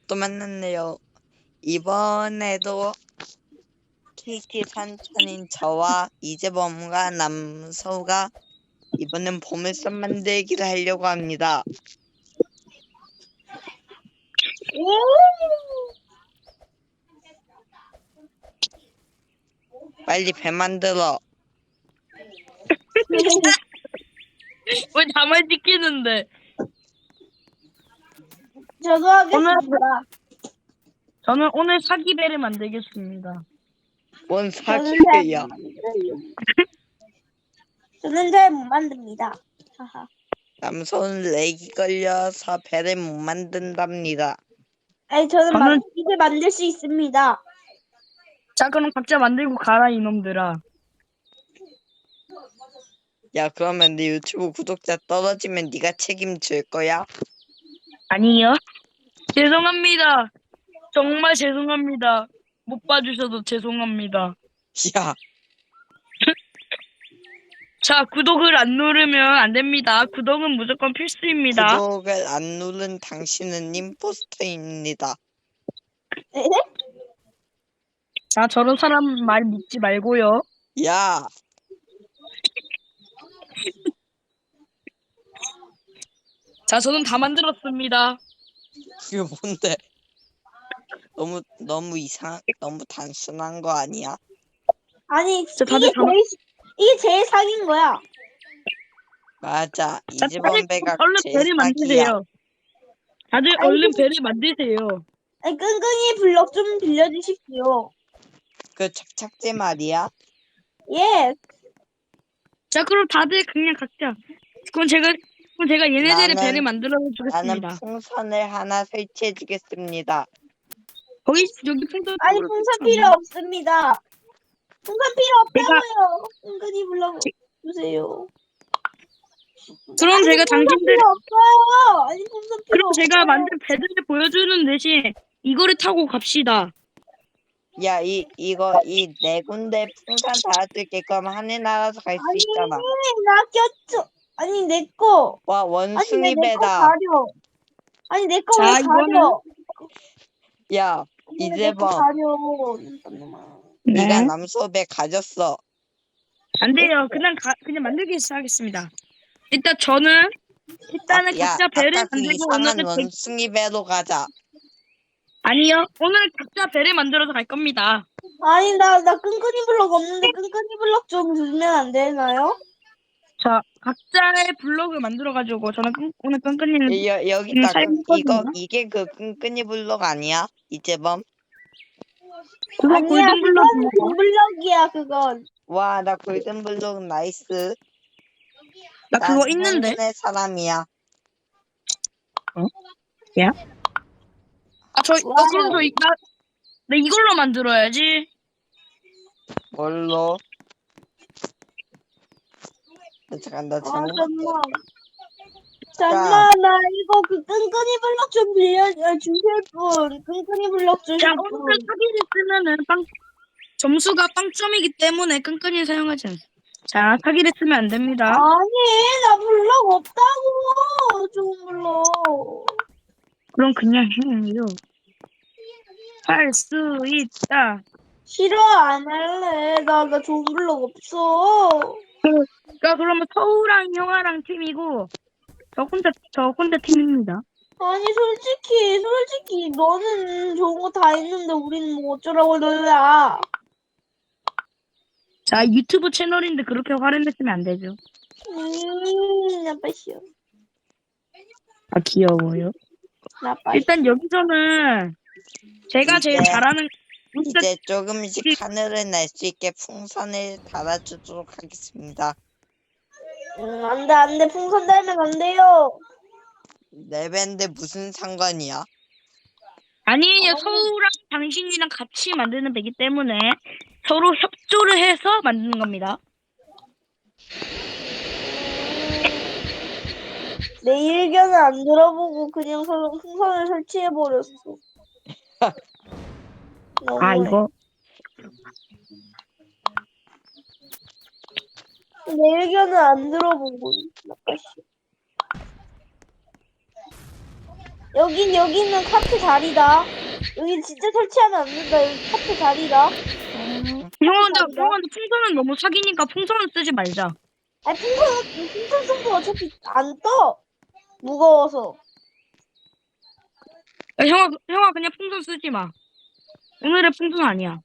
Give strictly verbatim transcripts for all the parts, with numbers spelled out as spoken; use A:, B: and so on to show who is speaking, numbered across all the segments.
A: 또 만났네요. 이번에도 케이티 산천인 저와 이재범과 남서우가 이번엔 보물섬 만들기를 하려고 합니다. 빨리 배 만들어.
B: 왜 나만 지키는데?
C: 저도
B: 오늘
C: 하겠습니다.
B: 저는 오늘 사기배를 만들겠습니다.
A: 뭔
C: 저는
A: 사기야.
C: 잘 못 만들어요. 저는 잘 못 만듭니다. 하하.
A: 남서우는 렉이 걸려서 배를 못 만든답니다.
C: 아니 저는
B: 저는-
C: 만, 이제 만들 수 있습니다.
B: 자, 그럼 각자 만들고 가라 이놈들아.
A: 야, 그러면 네 유튜브 구독자 떨어지면 네가 책임질 거야?
B: 아니요. 죄송합니다. 정말 죄송합니다. 못 봐주셔도 죄송합니다.
A: 야,
B: 자, 구독을 안 누르면 안 됩니다. 구독은 무조건 필수입니다.
A: 구독을 안 누른 당신은 임포스터입니다.
C: 에?
B: 자, 저런 사람 말 믿지 말고요.
A: 야,
B: 자, 저는 다 만들었습니다.
A: 이게 뭔데? 너무 너무 이상, 너무 단순한 거 아니야?
C: 아니
B: 저 다들
C: 이게
B: 다 만-
C: 제일 이게 제일 사기인 거야.
A: 맞아,
B: 자,
A: 이재범
B: 다들
A: 배가
B: 얼른
A: 제일
B: 배를
A: 사기야.
B: 만드세요. 다들
C: 아니,
B: 얼른
C: 그-
B: 배를 만드세요.
C: 아니 끈끈이 블럭 좀 빌려주십시오.
A: 그 착착제 말이야?
C: 예.
B: 자, 그럼 다들 그냥 각자. 그럼 제가 그럼 제가 얘네들의
A: 나는-
B: 배를 만들어
A: 나는
B: 주겠습니다.
A: 풍선을 하나 설치해 주겠습니다.
B: 거기 여기 풍선.
C: 아니 풍선 필요 없습니다. 풍선 필요 없다고요. 끈끈이 블럭 주세요.
B: 그럼
C: 아니,
B: 제가
C: 풍선
B: 당신들
C: 필요 없어요. 아니 풍선 필요
B: 그럼
C: 없어요.
B: 제가 만든 배를 보여주는 대신 이거를 타고 갑시다.
A: 야, 이 이거 이 네 군데 풍선 달아줄게. 그럼 하늘 날아서 갈 수
C: 아니
A: 있잖아.
C: 나 꼈죠. 아니 내 거.
A: 와,
C: 아니
A: 원숭이
C: 내 거
A: 배다.
C: 가려. 아니 내 거 왜
B: 자, 이거는-
C: 가려?
A: 야,
C: 내거
A: 이재범,
C: 가려.
A: 네가 남서배 가졌어.
B: 안 돼요. 그냥 가, 그냥 만들기 시작하겠습니다. 일단 저는 일단은
A: 아, 야,
B: 각자 배를
A: 아까 그
B: 만들고
A: 이상한
B: 오늘은 배-
A: 원숭이 배로 가자.
B: 아니요. 오늘 각자 배를 만들어서 갈 겁니다.
C: 아니 나 나 끈끈이 블럭 없는데 끈끈이 블럭 좀 주면 안 되나요?
B: 자, 각자의 블록을 만들어 가지고 저는 끈, 오늘 끈끈이는
A: 여, 여기
B: 음,
A: 있다.
B: 잘
A: 끈- 이거
B: 먹거든요.
A: 이게 그 끈끈이 블록 아니야? 이재범?
B: 그거
C: 아니야
B: 골든
C: 그거는
B: 블록입니다.
C: 금 블럭이야 그건.
A: 와, 나 골든 블록 나이스.
B: 나
A: 난
B: 그거 있는데.
A: 행운의 사람이야.
B: 아, 저, 어, 그럼 저, 이- 나, 나 이걸로 만들어야지.
A: 뭘로? 나 잠깐 나
C: 아
A: 잘못.
C: 잠만. 잠만 나 이거 그 끈끈이 블럭 좀 빌려 어, 주실 분. 끈끈이 블럭 주실
B: 자,
C: 분.
B: 오늘 사기를 쓰면은 빵, 점수가 빵점이기 때문에 끈끈이 사용하지 않습니다. 자, 사기를 쓰면 안 됩니다.
C: 아니 나 블럭 없다고. 좋은 블럭.
B: 그럼 그냥 해요. 할 수 있다.
C: 싫어 안 할래. 나 나 좋은 블럭 없어.
B: 자, 그러면 서우랑 형아랑 팀이고, 저 혼자, 저 혼자 팀입니다.
C: 아니 솔직히 솔직히 너는 좋은 거 다 있는데 우리는 뭐 어쩌라고 놀라.
B: 자, 유튜브 채널인데 그렇게 화를 내시면 안 되죠.
C: 음 나빠시오.
B: 아, 귀여워요.
C: 나빠시오.
B: 일단 여기서는 제가 제일
A: 이제-
B: 잘하는, 일단
A: 이제 조금씩
B: 우리-
A: 하늘을 날 수 있게 풍선을 달아주도록 하겠습니다.
C: 음, 안돼 안돼 풍선 달면 안 돼요.
A: 내 밴드 무슨 상관이야?
B: 아니에요. 서우랑 당신이랑 같이 만드는 배기 때문에 서로 협조를 해서 만드는 겁니다.
C: 내 의견을 안 들어보고 그냥 서, 풍선을 설치해 버렸어.
B: 아, 이거
C: 내 의견을 안 들어보고 나빠시오. 여긴 여기는 카트 자리다. 여기 진짜 설치하면 안 된다. 여기 카트 자리다.
A: 음,
B: 형아한테
C: 자리다.
B: 형아한테 풍선은 너무 사기니까 풍선은 쓰지 말자.
C: 아니 풍선 풍선 쏘고 어차피 안 떠. 무거워서.
B: 야, 형아 형아 그냥 풍선 쓰지 마. 오늘의 풍선 아니야.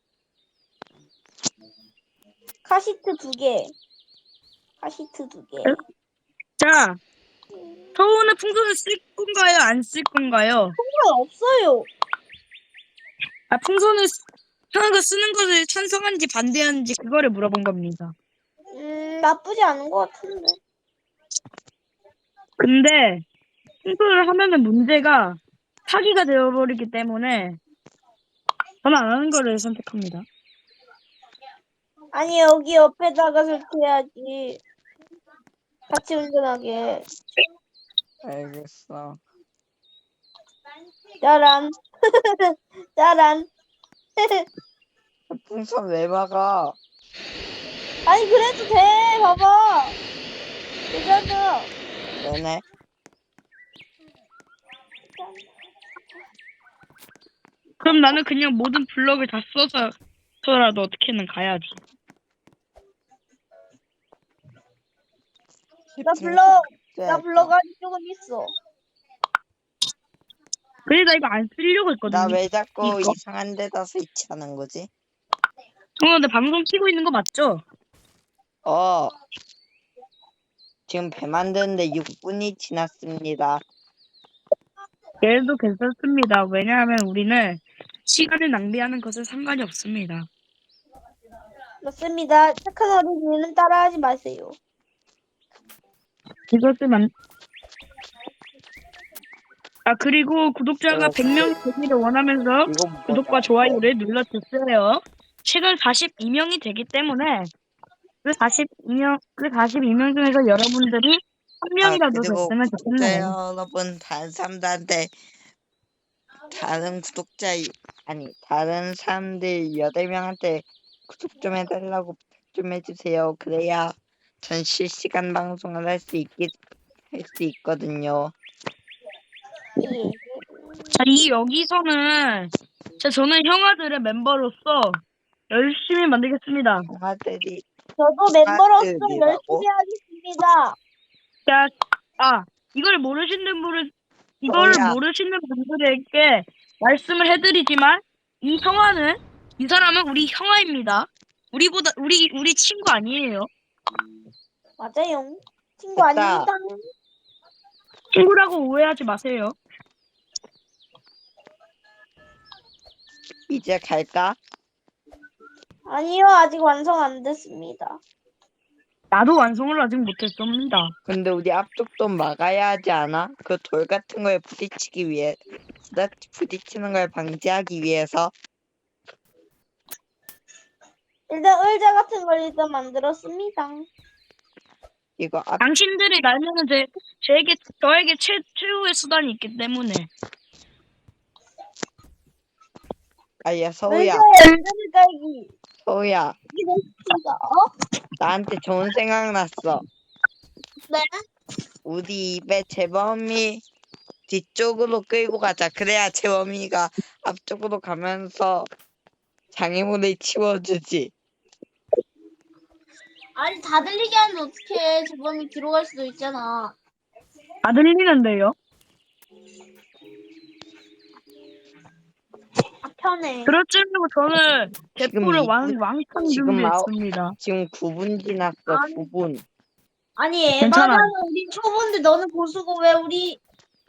C: 카시트 두 개. 카시트 두 개.
B: 자, 서우는 풍선을 쓸 건가요? 안 쓸 건가요?
C: 풍선 없어요.
B: 아, 풍선을 쓰- 형아가 쓰는 것을 찬성하는지 반대하는지 그거를 물어본 겁니다.
C: 음 나쁘지 않은 것 같은데.
B: 근데 풍선을 하면은 문제가 사기가 되어버리기 때문에 저는 안 하는 거를 선택합니다.
C: 아니 여기 옆에다가 설치해야지. 같이 운전하게.
A: 알겠어.
C: 짜란. 짜란.
A: 풍선 왜 막아?
C: 아니 그래도 돼. 봐봐. 되잖아.
A: 왜네?
B: 그럼 나는 그냥 모든 블럭을 다 써서라도 어떻게든 가야지.
C: 나
A: 풍선
C: 불러.
A: 왜
C: 나
A: 할까?
C: 불러가지고 조금 있어.
B: 그래 나 이거 안 쓰려고 했거든요.
A: 나 왜 자꾸
B: 이거?
A: 이상한 데다 스위치하는 거지?
B: 형 근데 방송 키고 있는 거 맞죠?
A: 어. 지금 배 만드는데 육 분이 지났습니다.
B: 얘도 괜찮습니다. 왜냐하면 우리는 시간을 낭비하는 것은 상관이 없습니다.
C: 맞습니다. 착한 어린이는 따라하지 마세요.
B: 이것을 만... 아 그리고 구독자가
A: 어,
B: 백 명 되기를 원하면서
A: 이거 뭐야?
B: 구독과 좋아요를 눌러주세요. 최근 사십이 명이 되기 때문에 그 사십이 명, 그 사십이 명 중에서 여러분들이 한
A: 아,
B: 명이라도
A: 그리고
B: 됐으면
A: 구독자
B: 좋겠네요.
A: 여러분, 다른 사람들한테, 다른 구독자, 아니, 다른 사람들 여덟 명한테 구독 좀 해달라고 부탁 좀 해주세요. 그래야 전 실시간 방송을 할 수 있게, 할 수 있거든요.
C: 예.
B: 자, 이 여기서는 자, 저는 형아들의 멤버로서 열심히 만들겠습니다.
A: 동아들이,
C: 저도 멤버로서
A: 동아들이라고?
C: 열심히 하겠습니다.
B: 자, 아, 이걸 모르시는 분을, 이걸
A: 뭐야?
B: 모르시는 분들에게 말씀을 해드리지만, 이 형아는, 이 사람은 우리 형아입니다. 우리보다, 우리, 우리 친구 아니에요.
C: 맞아요. 친구
A: 됐다.
C: 아닙니다.
B: 친구라고 오해하지 마세요.
A: 이제 갈까?
C: 아니요, 아직 완성 안 됐습니다.
B: 나도 완성을 아직 못했습니다.
A: 근데 우리 앞쪽도 막아야 하지 않아? 그 돌 같은 거에 부딪히기 위해, 부딪- 부딪히는 걸 방지하기 위해서.
C: 일단 의자 같은 걸 일단 만들었습니다.
A: 이거 앞,
B: 당신들이 날면은 제, 제게, 저에게 최, 최후의 수단이 있기 때문에.
A: 아야, 서우야,
C: 의자에 의자를 깔기.
A: 서우야,
C: 이게 됐습니다. 어?
A: 나한테 좋은 생각 났어.
C: 네?
A: 우리 입에 재범이 뒤쪽으로 끌고 가자. 그래야 재범이가 앞쪽으로 가면서 장애물을 치워주지.
C: 아니, 다 들리게 하면 어떡해. 저번에 뒤로 갈 수도 있잖아.
B: 다 들리는데요?
C: 아, 편해.
B: 그렇지라고 저는
A: 지금
B: 대포를
A: 이
B: 왕,
A: 분-
B: 왕창
A: 지금 아홉-
B: 준비했습니다.
A: 지금 구 분 지났어.
C: 아니.
A: 구 분.
C: 아니,
B: 괜찮아.
C: 에바잖아. 우린 초보인데 너는 고수고 왜 우리.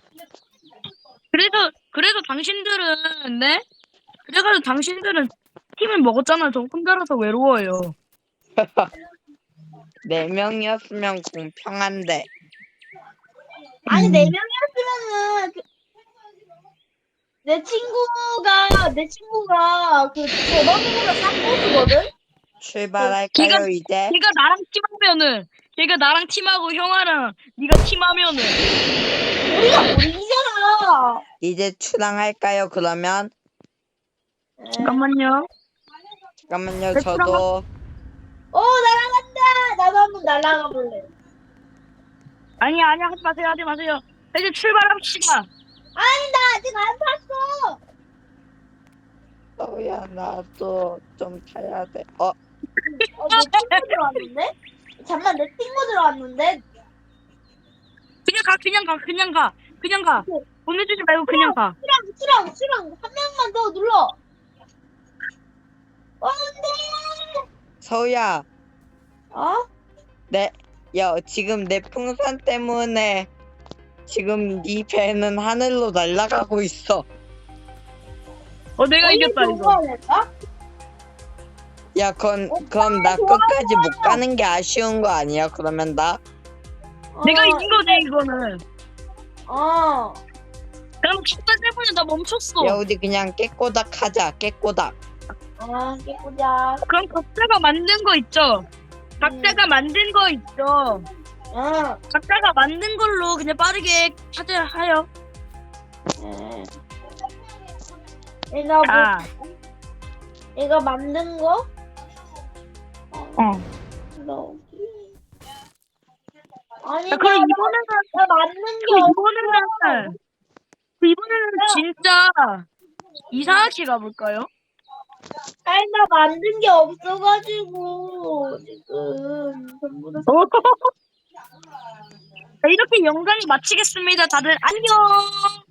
B: 그래서 그래서 당신들은 네? 그래서 당신들은 팀을 먹었잖아. 저 혼자라서 외로워요.
A: 네 명이었으면 공평한데.
C: 아니,
B: 음.
C: 네 명이었으면은. 그... 내 친구가, 내 친구가 그 제범이보다 싹 고수거든?
A: 출발할까요,
B: 걔가-
A: 이제?
B: 걔가 나랑 팀하면은 걔가 나랑 팀하고 형아랑 네가 팀하면은
C: 우리가 우리잖아.
A: 이제 출항할까요, 그러면?
B: 잠깐만요.
A: 잠깐만요,
B: 네,
A: 저도.
C: 오, 날아간다. 나도 한번 날아가 볼래.
B: 아니 아니 하지 마세요 하지 마세요. 이제 출발합시다.
C: 아니 나 아직 안 탔어.
A: 서우야 나도 좀 타야 돼. 어
C: 어내 친구 들어왔는데? 잠만 내 친구 들어왔는데?
B: 그냥 가, 그냥 가, 그냥 가, 그냥 가.
C: 오케이.
B: 보내주지 말고 그냥 가.
C: 수랑 수랑 수랑 한 명만 더 눌러. 어, 안돼.
A: 서우야
C: 어?
A: 내 야 지금 내 풍선 때문에 지금 네 배는 하늘로 날아가고 있어.
B: 어, 내가 이겼다 이거.
C: 좋아할까?
A: 야 그럼 그럼 나 끝까지 못 가는 게 아쉬운 거 아니야? 그러면 나
B: 내가 이긴 거지 이거는.
C: 어.
B: 그럼 축제 때문에 나 멈췄어.
A: 야 우리 그냥 깨꼬닥 하자. 깨꼬닥.
C: 아, 깨꾸자.
B: 그럼 각자가 만든 거 있죠? 각자가 만든 거 있죠?
C: 응.
B: 각자가 만든 걸로 그냥 빠르게 하자 하여.
C: 응. 내가 뭐,
B: 자,
C: 내가 만든 거?
B: 어.
C: 너. 아니,
B: 자, 그럼
C: 나,
B: 이번에는
C: 나 만든 게
B: 그럼
C: 없어.
B: 이번에는 이번에는 진짜 이상하게 가볼까요?
C: 아니, 나 만든 게 없어가지고, 지금. 전부 다.
B: 자, 이렇게 영상이 마치겠습니다. 다들 안녕.